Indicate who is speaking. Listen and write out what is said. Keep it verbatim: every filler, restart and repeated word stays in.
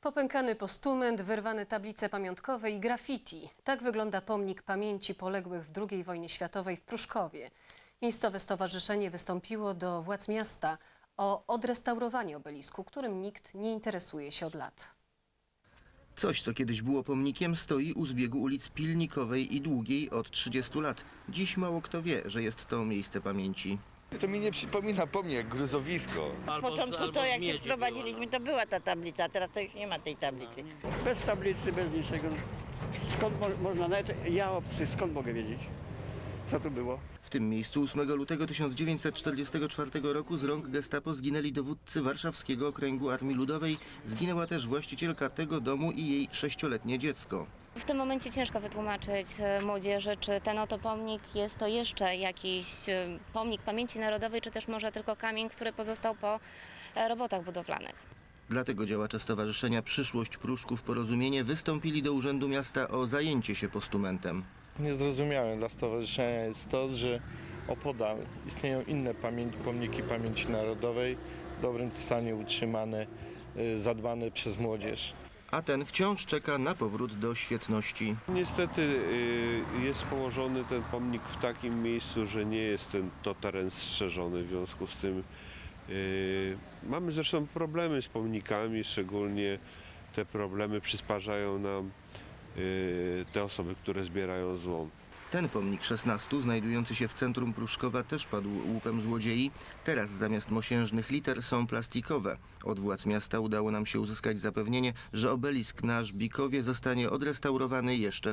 Speaker 1: Popękany postument, wyrwane tablice pamiątkowe i graffiti. Tak wygląda pomnik pamięci poległych w drugiej wojnie światowej w Pruszkowie. Miejscowe stowarzyszenie wystąpiło do władz miasta o odrestaurowanie obelisku, którym nikt nie interesuje się od lat.
Speaker 2: Coś, co kiedyś było pomnikiem, stoi u zbiegu ulic Pilnikowej i Długiej od trzydziestu lat. Dziś mało kto wie, że jest to miejsce pamięci.
Speaker 3: To mi nie przypomina pomnik jak gruzowisko.
Speaker 4: Z początku to jak się wprowadziliśmy, to była ta tablica, a teraz to już nie ma tej tablicy.
Speaker 5: Bez tablicy, bez niczego. Skąd mo można, nawet ja obcy, skąd mogę wiedzieć, co tu było?
Speaker 2: W tym miejscu ósmego lutego tysiąc dziewięćset czterdziestego czwartego roku z rąk gestapo zginęli dowódcy Warszawskiego Okręgu Armii Ludowej. Zginęła też właścicielka tego domu i jej sześcioletnie dziecko.
Speaker 6: W tym momencie ciężko wytłumaczyć młodzieży, czy ten oto pomnik jest to jeszcze jakiś pomnik pamięci narodowej, czy też może tylko kamień, który pozostał po robotach budowlanych.
Speaker 2: Dlatego działacze Stowarzyszenia Przyszłość Pruszków Porozumienie wystąpili do Urzędu Miasta o zajęcie się postumentem.
Speaker 7: Niezrozumiałe dla stowarzyszenia jest to, że opodal istnieją inne pamięci, pomniki pamięci narodowej, w dobrym stanie utrzymane, zadbane przez młodzież.
Speaker 2: A ten wciąż czeka na powrót do świetności.
Speaker 8: Niestety jest położony ten pomnik w takim miejscu, że nie jest ten to teren strzeżony, w związku z tym mamy zresztą problemy z pomnikami, szczególnie te problemy przysparzają nam te osoby, które zbierają złom.
Speaker 2: Ten pomnik szesnastu, znajdujący się w centrum Pruszkowa, też padł łupem złodziei. Teraz zamiast mosiężnych liter są plastikowe. Od władz miasta udało nam się uzyskać zapewnienie, że obelisk na Żbikowie zostanie odrestaurowany jeszcze